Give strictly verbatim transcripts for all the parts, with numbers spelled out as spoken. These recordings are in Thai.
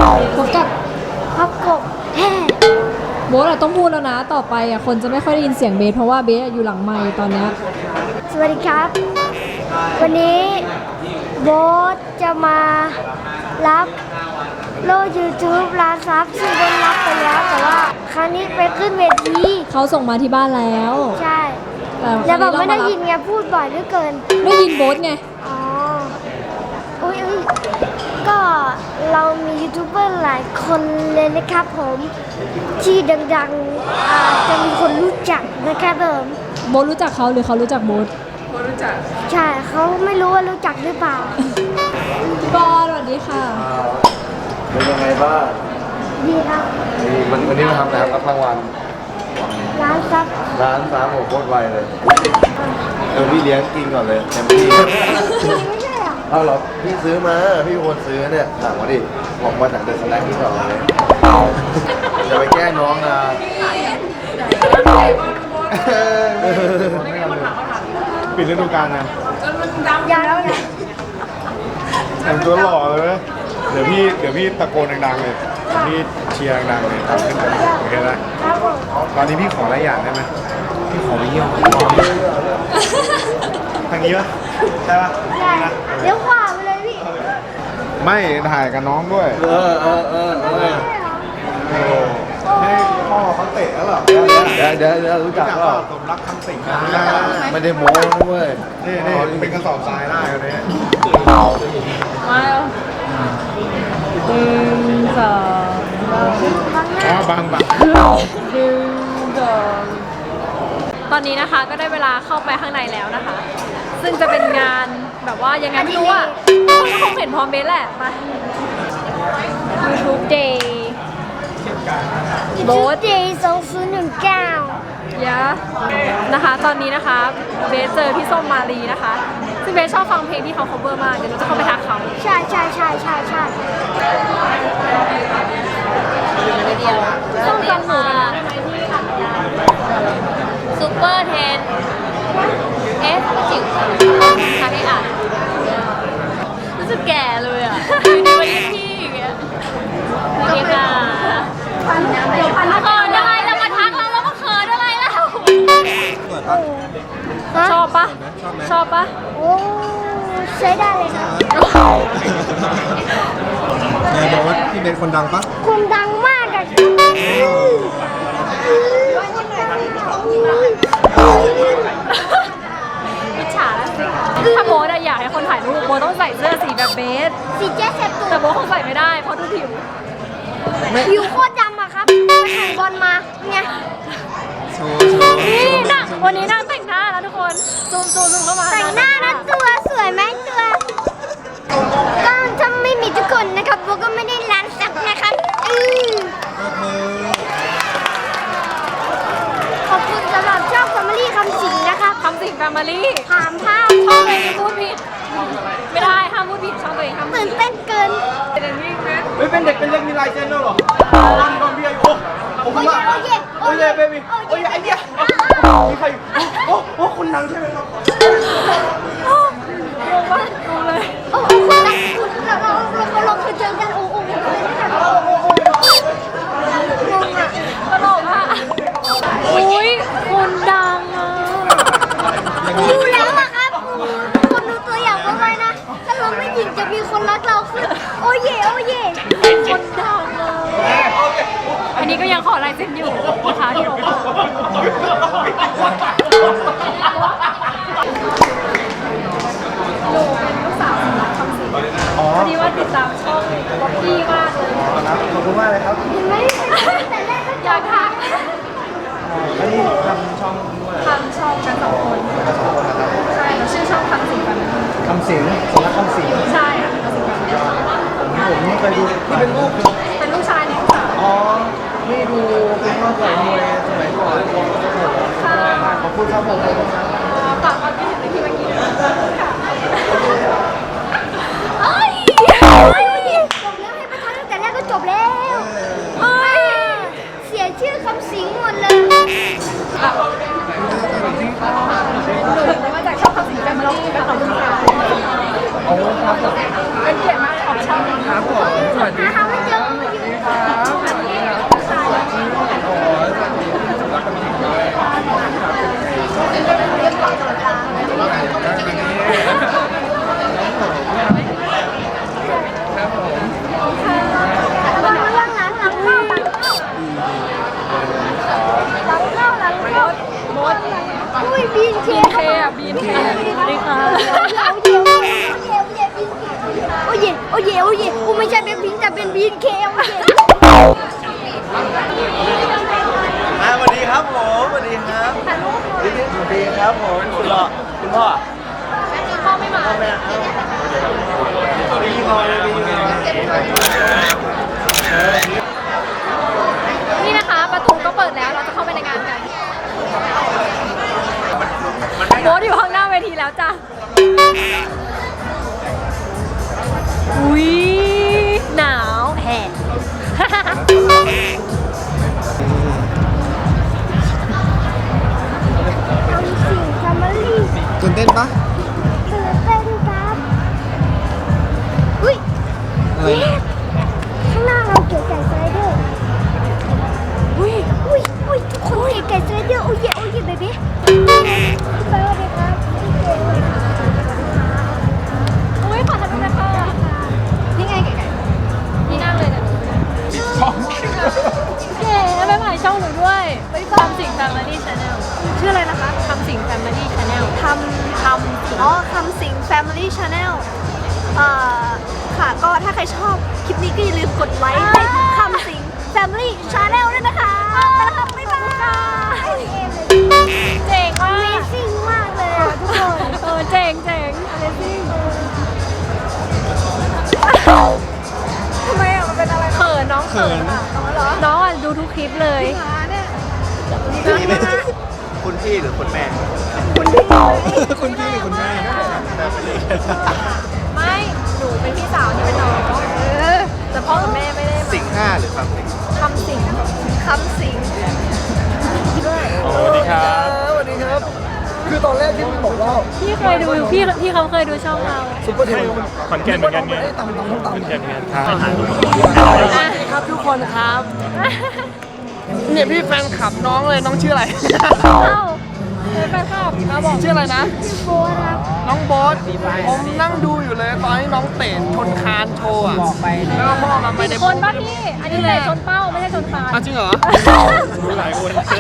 พบกับพับกบแฮ่โบ๊ทอะต้องพูดแล้วนะต่อไปอะคนจะไม่ค่อยได้ยินเสียงเบสเพราะว่าเบสอะอยู่หลังไมค์ตอนเนี้ยสวัสดีครับ วันนี้โบ๊ทจะมารับโลก YouTube ร้านซับซึ่งโดนรับไปแล้วแต่ว่าครั้งนี้ไปขึ้นเวทีเขาส่งมาที่บ้านแล้วใช่แต่แล้วแบบไม่ได้ครั้งยินไงพูดบ่อยเหลือเกินได้ยินโบ๊ทไงอ๋ออุ้ยอุ้ยก็เรามียูทูบเบอร์หลายคนเลยนะครับผมที่ดังๆอาจจะมีคนรู้จักนะครับผมโบ๊ทรู้จักเขาหรือเขารู้จักโบ๊ทใช่เขาไม่รู้ว่ารู้จักหรือเปล่าพี่บอลสวัสดีค่ะเป็นยังไงบ้างดีครับนี่วันวันนี้มาทำอะไรครับรับรางวัลร้านซับร้านฟ้าโหโคตรไวเลยเดี๋ยวพี่เลี้ยงกินก่อนเลยเต็มที่ไม่ใช่เหรอเอาเหรอพี่ซื้อมาพี่เป็นคนซื้อเนี่ยถามมาดิบอกมาจากเดอะสแน็คที่สองเลยจะไปแก้น้องนะปิดฤดูกาลนะยังแล้วไงแต่งตัวหล่อเลยไหมเดี๋ยวพี่เดี๋ยวพี่ตะโกนดังๆเลยพี่เชียร์ดังๆเลยทำขึ้นไปโอเคไหมครับผมตอนนี้พี่ขออะไรอย่างได้ไหมพี่ขอไปเยี่ยมทางนี้ปะใช่ปะใช่เลี้ยวขวาไปเลยพี่ไม่ถ่ายกับน้องด้วย เออเออเออเออให้พ่อเขาเตะแล้วหรอเดี๋ยวเดี๋ยวเดี๋ยวรู้จักก็สมรักคำสิงไม่ได้โม้ด้วยนี่นี่เป็นกระสอบทรายได้เลยเนี่ยมาแล้วหนึ่งสองอ๋อบางบางหนึ่งสองตอนนี้นะคะก็ได้เวลาเข้าไปข้างในแล้วนะคะ ซึ่งจะเป็นงานแบบว่ายังไงไม่รู้อ่ะคนก็คงเห็นพร้อมเบสแหละมา YouTube Day โบ๊ทเจสองศูนย์หนึ่งเก้ายะนะคะตอนนี้นะคะเบสเจอพี่ส้มมาลีนะคะซึ่งเบสชอบฟังเพลงที่เขา cover มากเดี๋ยวเราจะเข้าไปทักเขาใช่ใช่ใช่ใช่ใช่ส้มจำหนูกันได้ไหมที่ขับยาซูเปอร์เทนเอฟจิ๋วทำให้อ่านรู้สึกแก่เลยอ่ะอยู่ในวันที่อย่างเงี้ยสวัสดีค่ะเออได้แล้วมาทักเราแล้วมาเขินอะไรแล้วชอบปะชอบปะโอ้ใช้ได้เลยครับนายบอกว่าพี่เป็นคนดังปะคนดังมากอะอิจฉาแล้วสิถ้าโบ๊ทอะอยากให้คนถ่ายรูปโบ๊ทต้องใส่เสื้อสีแบบเบสสีแจ๊สเสร็จตัวแต่โบ๊ทคงใส่ไม่ได้เพราะดูผิวผิวโคตรดำอะครับไปแข่งบอลมาเนี่ยนี่นะวันนี้นั่งแต่งหน้าแล้วทุกคนซูมซูมซูมเข้ามาแต่งหน้านะตัวสวยไหมตัวก็ถ้าไม่มีทุกคนนะครับโบก็ไม่ได้ร้านสักนะครับอือขอบคุณสำหรับช่อง Family คำสิงนะครับคำสิงแฟมิลี่ถามภาพช่องตัวเองพูดผิดไม่ได้ห้ามพูดผิดช่องตัวเองห้ามพูดตื่นผิดเต้นเกินเป็นอย่างนี้ไหมเฮ้ยเป็นเด็กเป็นเล็กมีลายเซ็นด้วยเหรอตอนก่อนพี่อายุโอ้โหโอ้ยโอ้ยโอ้ยเบบี้โอ้ยไอเดียมีใครโอ้โอ้คนดังใช่ไหมครับงงปะงงเลยโอ้โหคุณนะคุณเราเราเราเราเคยเจอกันโอ้โหโอ้โหโอ้โหงงอ่ะตลกอ่ะอุ้ยคนดังอ่ะดูแล้วอะครับคนดูตัวอย่างเขาไว้นะถ้าเราไม่หยิงจะมีคนรักเราขึ้นโอ้ยเย่โอ้ยเย่คนดังอ่ะอันนี้ก็ยังขอลายเซ็นอยู่นะคะที่โอปหนูเป็นลูกสาวสำนักคำสิงพอดีว่าติดตามช่องล็อกกี้มากเลยขอบคุณมากเลยครับเห็นไหมแต่แรกก็อยากทักอันนี้ทำช่องด้วยทำช่องกันสองคนใช่แล้วชื่อช่องคำสิงกันนะคำสิงสำนักคำสิงใช่อ่ะคำสิงกันผมไม่เคยดูนี่เป็นลูกเป็นลูกชายในลูกสาวอ๋อนี่ดูเป็นข้าวใส่มวยสมัยก่อนค่ะขอบคุณครับผมฝากความคิดเห็นในที่เมื่อกี้ด้วยค่ะเอ้ยจบแล้วให้ประธานตั้งแต่แรกก็จบแล้วเอ้ยเสียชื่อคำสิงหมดเลยหนูมาจากช่องคำสิงแฟมิลี่ค่ะขอบคุณค่ะโอ้ครับผมเป็นเกียรติมากของช่องครับผมสวัสดีหาไม่เจออุ้ยบีนเคบีนเคอะบีนเคสวัสดีค่ะเดี๋ยวเดี๋ยวเดี๋ยวเดี๋ยวโอ้ยโอ้ยโอ้ยกูไม่ใช่เป็นพิงแต่เป็นบีนเคโอ้ยอ่าสวัสดีครับผมสวัสดีครับสวัสดีครับผมคุณหล่อคุณพ่อพ่อไม่มาพ่อแม่ครับพี่พ่อพี่พ่อนี่นะคะประตูก็เปิดแล้วเราจะเข้าไปในงานกันโบ๊ทอยู่ข้างหน้าเวทีแล้วจ้ะอุ้ยหนาวแห่ทำสิ่งทำมารีตื่นเต้นปะตื่นเต้นครับอุ้ยอะไรเย้ข้างหน้าเราเก๋ไก่สไลเดอร์อุ้ยอุ้ยอุ้ยทุกคนเก๋ไก่สไลเดอร์โอ้ยโอ้ยเบบี้พี่เบิร์ดเลยครับพี่เก๋อุ้ยขอทำด้วยนะคะนี่ไงไก่ๆนี่นั่งเลยเนี่ยช่องเก๋ไปถ่ายช่องหนูด้วยไปทำสิ่ง Family Channel ชื่ออะไรนะคะทำสิ่ง Family Channel ทำทำอ๋อคำสิง Family Channel เอ่อค่ะก็ถ้าใครชอบคลิปนี้ก็อย่าลืมกดไลค์ให้คำสิง Family Channel ด้วยนะคะไปแล้วค่ะบ๊ายบายเจ๋งมาก Amazing มากเลยอ่ะทุกคนเออเจ๋งเจ๋ง Amazing ทำไมอ่ะมันเป็นอะไรเขินน้องเขินอ่ะน้องอ่ะดูทุกคลิปเลยมาเนี่ยพี่ไหมคุณพี่หรือคุณแม่คุณพี่คุณแม่ไม่ หนูเป็นพี่สาวที่เป็นน้องเออแต่พ่อกับแม่ไม่ได้สิงห้าหรือครับสิงทำสิ่งคำสิงสวัสดีครับสวัสดีครับ คือตอนแรกที่มันบอกว่าพี่เคยดูพี่พี่เขาเคยดูช่องเราซุปเปอร์เทลขอนแก่นเหมือนกันไงตำตำตำตำขอนแก่นเหมือนกันครับสวัสดีครับทุกคนครับ เนี่ยพี่แฟนคลับน้องเลยน้องชื่ออะไรเอ้าเป็นแฟนคลับมาบอกชื่ออะไรนะโบครับน้องโบ๊ทผมนั่งดูอยู่เลยตอนที่น้องเตะชนคานโชว์อะแล้วก็พ่อมาไม่ได้คนป่ะพี่ อันนี้เลยชนเป้าไม่ใช่ชนคานอ้าวจริงเหรอรู้หลายคนโอเค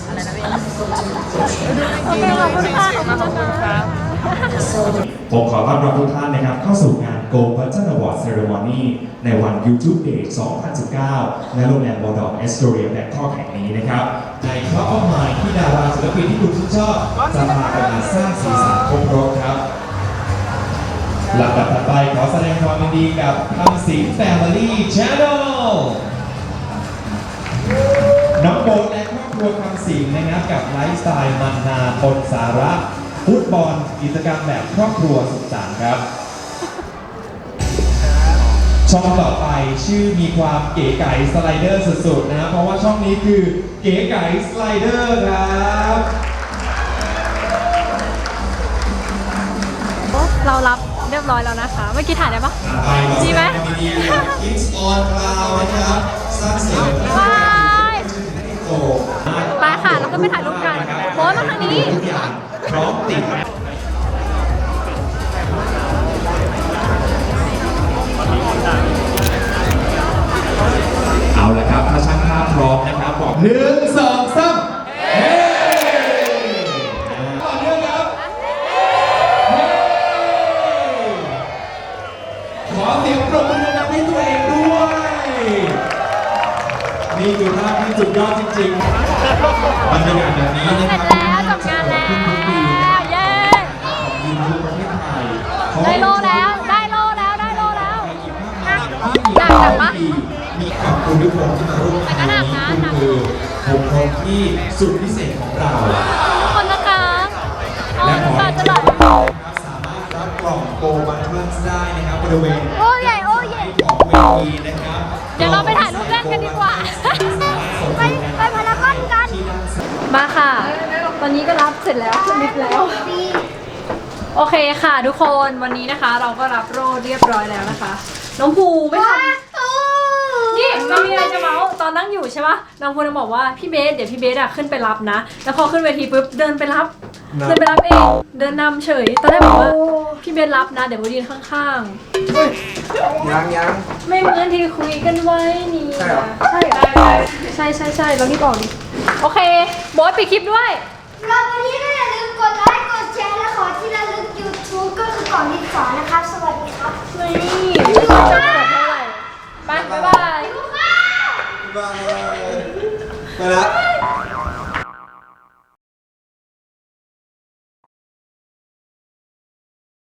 ขอบคุณค่ะขอบคุณนะคะผมขอต้อนรับทุกท่านนะครับเข้าสู่งาน Go Button Award Ceremony ในวัน YouTube Day สองพันสิบเก้า ณ โรงแรมบอร์ดอร์แอสโตเรียแบงคอกแห่งนี้นะครับ ในครอบครัวที่ดาราศิลปินที่คุณชื่นชอบจะพากันมาสร้างสีสันครบรถครับลำดับถัดไปขอแสดงความยินดีกับคำสิง Family Channel น้องโบ๊ทและครอบครัวคำสิงนะครับกับไลฟ์สไตล์มันนาปนสาระฟุตบอลกิจกรรมแบบครอบครัวสุขสันต์ครับ ช่องต่อไปชื่อมีความเก๋ไก๋สไลเดอร์สุดๆนะเพราะว่าช่องนี้คือเก๋ไก๋สไลเดอร์ครับเรารับเรียบร้อยแล้วนะคะ เมื่อกี้ถ่ายได้ปะไปขอแสดีดไหมงความยินดีกับ Kids on Cloud นะครับสร้างเสียงบายโอ้ไปค่ะเราก็ไปถ่ายรูปกันโบ๊ทมาทางนี้ทุกอย่างพร้อมติด เอาละครับถ้าช่างภาพพร้อมนะครับบอกหนึ่งสองสามเฮ้ต่อเนื่องครับเฮ้ขอเสียงปรบมือดังๆให้ตัวเองด้วย นี่คือภาพที่สุดยอดจริงๆบรรยากาศแบบนี้นะเสคร็รัจแล้วจบงานแล้วขึ้นทุกปีนะเย้ของยูทูบประเทศไทยได้โลแล้วได้โลแล้วได้โลแล้วหนักหนักปะมีขอบคุณทุกคนที่มาร่วมงานนี้คุณคือผมคนที่สุดพิเศษของเราทุกคนนะคะเอาและขอน้ำตาให้จะทุไหลกคนนะครับสามารถรับกล่องโกบัตเทิลได้นะครับบริเวณโอ้ยโอ้ยของเวทีนะครับเดี๋ยวเราไปถ่ายรูปเล่นกันดีกว่าไปไปพารากอนกันมาค่ะ ตอนนี้ก็รับเสร็จแล้วขึ้นลิฟต์แล้ว โอเคค่ะทุกคนวันนี้นะคะ เราก็รับโล่เรียบร้อยแล้วนะคะ น้องภูไม่ทำนี่ไม่มีอะไรจะเมาส์ตอนนั่งอยู่ใช่ปะน้องภูจะบอกว่าพี่เบสเดี๋ยวพี่เบสอะขึ้นไปรับนะ แล้วพอขึ้นเวทีปุ๊บเดินไปรับ เดินไปรับเองเดินนำเฉยตอนแรกบอกว่าพี่เบสรับนะเดี๋ยวโบยืนข้างๆยังยังไม่เหมือนที่คุยกันไว้นี่ใช่เหรอใช่ใช่ใช่ใช่เรารีบออกดิโอเคโบสปิดคลิปด้วยเราวันนี้ก็อย่าลืมสอนที่สอนนะครับ สวัสดีครับนี่ไม่ชอบเปิดเท่าไหร่ไปบ๊ายบายไปแล้ว